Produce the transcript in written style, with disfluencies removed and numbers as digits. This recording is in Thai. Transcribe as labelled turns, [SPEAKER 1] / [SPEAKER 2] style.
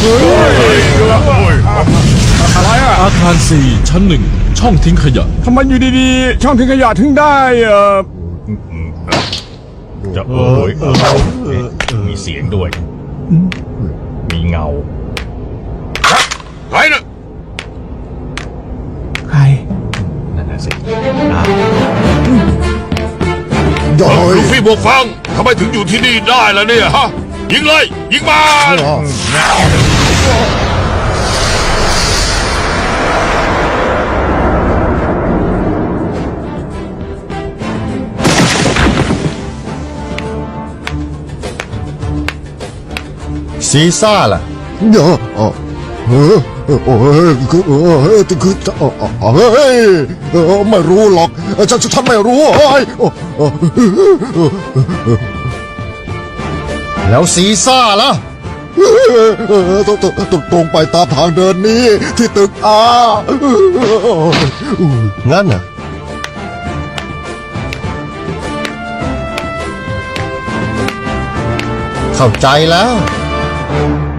[SPEAKER 1] อะไรอ่ะ
[SPEAKER 2] อาคาร 4 ชั้น 1 ช่องทิ้งขยะ
[SPEAKER 1] ทำไมอยู่ดีๆช่องทิ้งขยะถึงได้
[SPEAKER 3] จะมีเสียงด้วย มีเงาใครน่ะ
[SPEAKER 1] ใคร
[SPEAKER 3] นั่นน่ะสิ
[SPEAKER 4] ลูฟี่บวกฟังทำไมถึงอยู่ที่นี่ได้ล่ะเนี่ยฮะยิงเลยยิงมา
[SPEAKER 3] ซีซ่าล่ะ
[SPEAKER 5] ไม่รู้หรอกฉันไม่รู้
[SPEAKER 3] แล้วซีซ่าล่ะ
[SPEAKER 5] ตรงไปตามทางเดินนี้ที่ตึก
[SPEAKER 3] งั้นน่ะเข้าใจแล้ว